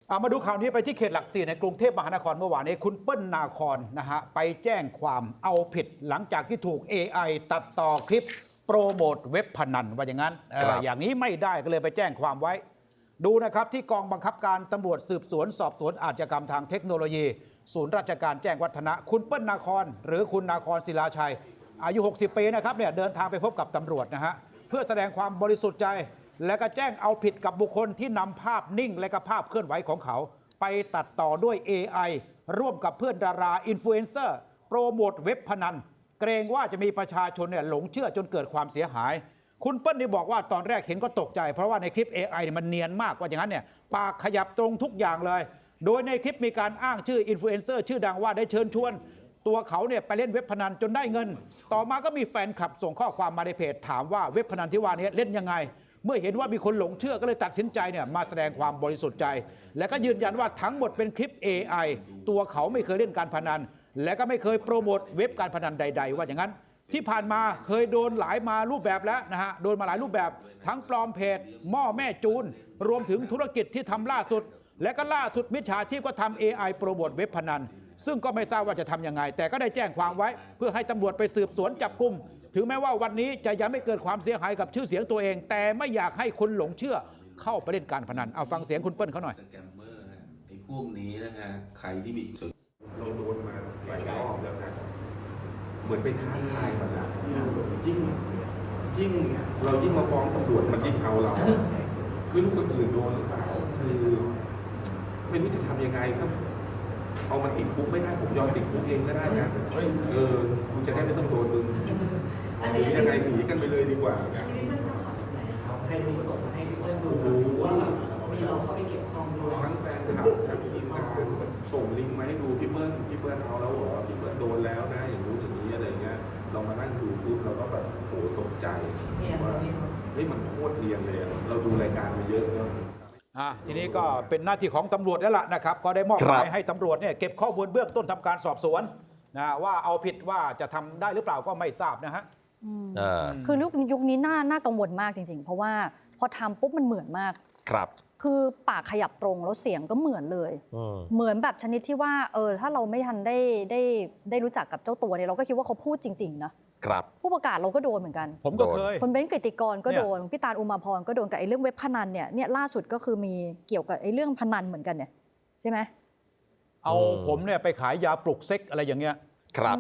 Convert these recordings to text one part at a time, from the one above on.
มาดูข่าวนี้ไปที่เขตหลักสี่ในกรุงเทพมหานครเมื่อวานนี้คุณเปิ้ลนาคอนนะฮะไปแจ้งความเอาผิดหลังจากที่ถูก AI ตัดต่อคลิปโปรโมทเว็บพนันว่าอย่างนั้นอย่างนี้ไม่ได้ก็เลยไปแจ้งความไว้ดูนะครับที่กองบังคับการตำรวจสืบสวนสอบสวนอาชญากรรมทางเทคโนโลยีศูนย์ราชการแจ้งวัฒนะคุณเปิ้ลนาคอนหรือคุณนาคอนศิลาชัยอายุ 60 ปีนะครับเนี่ยเดินทางไปพบกับตำรวจนะฮะเพื่อแสดงความบริสุทธิ์ใจและก็แจ้งเอาผิดกับบุคคลที่นำภาพนิ่งและก็ภาพเคลื่อนไหวของเขาไปตัดต่อด้วย AI ร่วมกับเพื่อนดาราอินฟลูเอนเซอร์โปรโมทเว็บพนันเกรงว่าจะมีประชาชนเนี่ยหลงเชื่อจนเกิดความเสียหายคุณเปิ้ลนี่บอกว่าตอนแรกเห็นก็ตกใจเพราะว่าในคลิป AI มันเนียนมากว่าอย่างนั้นเนี่ยปากขยับตรงทุกอย่างเลยโดยในคลิปมีการอ้างชื่ออินฟลูเอนเซอร์ชื่อดังว่าได้เชิญชวนตัวเขาเนี่ยไปเล่นเว็บพนันจนได้เงินต่อมาก็มีแฟนคลับส่งข้อความมาในเพจถามว่าเว็บพนันที่ว่านี้เล่นยังไงเมื่อเห็นว่ามีคนหลงเชื่อก็เลยตัดสินใจเนี่ยมาแสดงความบริสุทธิ์ใจและก็ยืนยันว่าทั้งหมดเป็นคลิป AI ตัวเขาไม่เคยเล่นการพนันและก็ไม่เคยโปรโมทเว็บการพนันใดๆว่าอย่างนั้นที่ผ่านมาเคยโดนหลายมารูปแบบแล้วนะฮะโดนมาหลายรูปแบบทั้งปลอมเพจหม้อแม่จูนรวมถึงธุรกิจที่ทำล่าสุดและก็ล่าสุดมิจฉาชีพก็ทำ AI โปรโมทเว็บพนันซึ่งก็ไม่ทราบว่าจะทำยังไงแต่ก็ได้แจ้งความไว้เพื่อให้ตำรวจไปสืบสวนจับกุมถึงแม้ว่าวันนี้จะยังไม่เกิดความเสียหายกับชื่อเสียงตัวเองแต่ไม่อยากให้คนหลงเชื่อเข้าไปเล่นการพนันเอาฟังเสียงคุณเปิ้ลเขาหน่อยสแกมเมอร์ไอ้พวกนี้นะฮะใครที่มีเราโดนมาหลายรอบแล้วนะเหมือนไปท้าทายมันนะยิ่งเรายิ่งมาฟ้องตำรวจมันยิ่งเอาเราไม่รู้คนอื่นโดนหรือเปล่าคือไม่รู้จะทำยังไงครับเอามันติดคุกไม่ได้ผมยอมติดคุกเองก็ได้นะกูจะได้ไม่ต้องโดนมึงหรือยังไงหนีกันไปเลยดีกว่านะใครมีส่งมาให้พี่เปิ้ลดูว่ามีเราเข้าไปเกี่ยวข้องด้วยทั้งแฟนคลับทั้งทีมงานส่งลิงก์มาให้ดูพี่เปิ้ลเอาแล้วเหรอพี่เปิ้ลโดนแล้วนะอย่างนู้นอย่างนี้อะไรเงี้ยเรามานั่งดูปุ๊บเราก็แบบโหตกใจว่าเฮ้ยมันโคตรเรียนเลยเราดูรายการมาเยอะแล้วทีนี้ก็เป็นหน้าที่ของตำรวจแล้วล่ะนะครับก็ได้มอบหมายให้ตำรวจเนี่ยเก็บข้อมูลเบื้องต้นทำการสอบสวนนะว่าเอาผิดว่าจะทำได้หรือเปล่าก็ไม่ทราบนะฮะคือยุคนี้น่ากังวลมากจริงๆเพราะว่าพอทำปุ๊บมันเหมือนมากครับคือปากขยับตรงแล้วเสียงก็เหมือนเลยเหมือนแบบชนิดที่ว่าถ้าเราไม่ทันได้รู้จักกับเจ้าตัวเนี่ยเราก็คิดว่าเขาพูดจริงๆนะครับผู้ประกาศเราก็โดนเหมือนกันผมก็เคยคนเบ้นกฤติกรก็โดนพี่ตาลอุมาพรก็โดนกับไอ้เรื่องเว็บพนันเนี่ยล่าสุดก็คือมีเกี่ยวกับไอ้เรื่องพนันเหมือนกันเนี่ยใช่ไหมเอาผมเนี่ยไปขายยาปลุกเซ็กอะไรอย่างเงี้ยครับ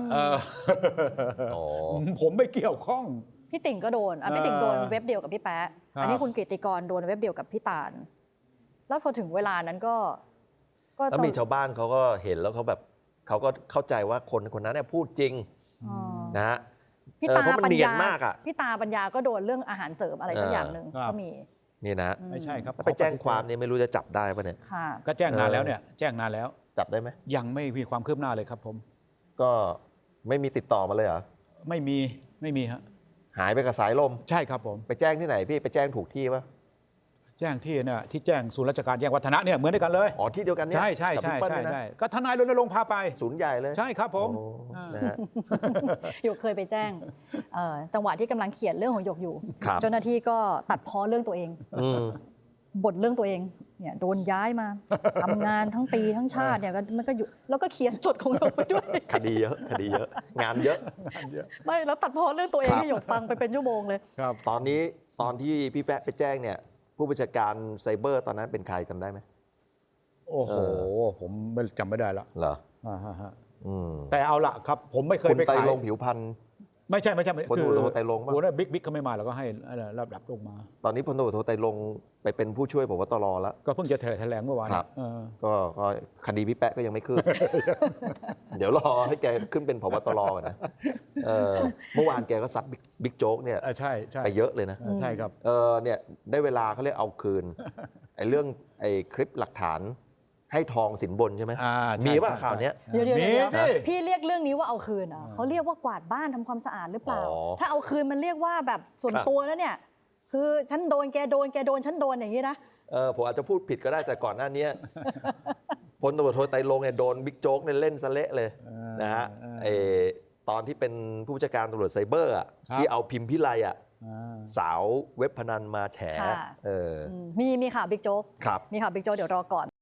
ผมไม่เกี่ยวข้องพี่ติ่งก็โดนพี่ติ่งโดนเว็บเดียวกับพี่แป๊ะอันนี้คุณกฤติกรโดนเว็บเดียวกับพี่ตาลแล้วพอถึงเวลานั้นก็แล้วมีชาวบ้านเขาก็เห็นแล้วเขาแบบเขาก็เข้าใจว่าคนนั้นเนี่ยพูดจริงนะฮะพี่ตาปัญญาพี่ตาปัญญาก็โดนเรื่องอาหารเสริมอะไรสักอย่างหนึ่งก็มีนี่นะไม่ใช่ครับไปแจ้งความเนี่ยไม่รู้จะจับได้ป่ะเนี่ยก็แจ้งนานแล้วเนี่ยแจ้งนานแล้วจับได้ไหมยังไม่มีความคืบหน้าเลยครับผมก็ไม่มีติดต่อมาเลยเหรอไม่มีฮะหายไปกับสายลมใช่ครับผมไปแจ้งที่ไหนพี่ไปแจ้งถูกที่ป่ะแจ้งที่เนี่ยที่แจ้งศูนย์ราชการแจ้งวัฒนะเนี่ยเหมือนกันเลยที่เดียวกันเนี่ยใช่ก็ทนายรณรงค์พาไปศูนย์ใหญ่เลยใช่ครับผมหยกเคยไปแจ้งจังหวะที่กำลังเขียนเรื่องของหยกอยู่เจ้าหน้าที่ก็ตัดพ้อเรื่องตัวเองบ่นเรื่องตัวเองเนี่ยโดนย้ายมาทำงานทั้งปีทั้งชาติเนี่ยมันก็อยู่แล้วก็เขียนจดของหยกไปด้วยคดีเยอะงานเยอะไม่แล้วตัดพ้อเรื่องตัวเองให้หยกฟังไปเป็นชั่วโมงเลยตอนที่พี่แป๊ะไปแจ้งเนี่ยผู้บัญชาการไซเบอร์ตอนนั้นเป็นใครจำได้ไหมโอ้โหผมจำไม่ได้ละเหรอแต่เอาละครับผมไม่เคยไปขายไตรรงค์ผิวพันธ์ไม่ใช่พลตำรวจโทไตรรงค์โอ้โหบิ๊กเขาไม่มาเราก็ให้ระดับลงมาตอนนี้พลตำรวจโทไตรรงค์ไปเป็นผู้ช่วยผบตรแล้วก็เพิ่งจะแถลงเมื่อวานก็คดีพี่แป๊ะก็ยังไม่ขึ้นเดี๋ยวรอให้แกขึ้นเป็นผบตรก่อนนะเมื่อวานแกก็ซัดบิ๊กโจ๊กเนี่ยไปเยอะเลยนะใช่ครับเนี่ยได้เวลาเขาเรียกเอาคืนไอ้เรื่องไอ้คลิปหลักฐานให้ทองสินบนใช่ไหมมีป่ะข่าวนี้เดี๋ยวพี่เรียกเรื่องนี้ว่าเอาคืนเขาเรียกว่ากวาดบ้านทำความสะอาดหรือเปล่าถ้าเอาคืนมันเรียกว่าแบบส่วนตัวแล้วเนี่ยคือฉันโดนแกโดนฉันโดนอย่างนี้นะผมอาจจะพูดผิดก็ได้แต่ก่อนหน้านี้พลตำรวจโทไตรรงค์เนี่ยโดนบิ๊กโจ๊กเนี่ยเล่นซะเละเลยนะฮะตอนที่เป็นผู้บัญชาการตำรวจไซเบอร์ที่เอาพิมพ์พิไลสาวเว็บพนันมาแฉมีข่าวบิ๊กโจ๊กมีข่าวบิ๊กโจ๊กเดี๋ยวรอก่อน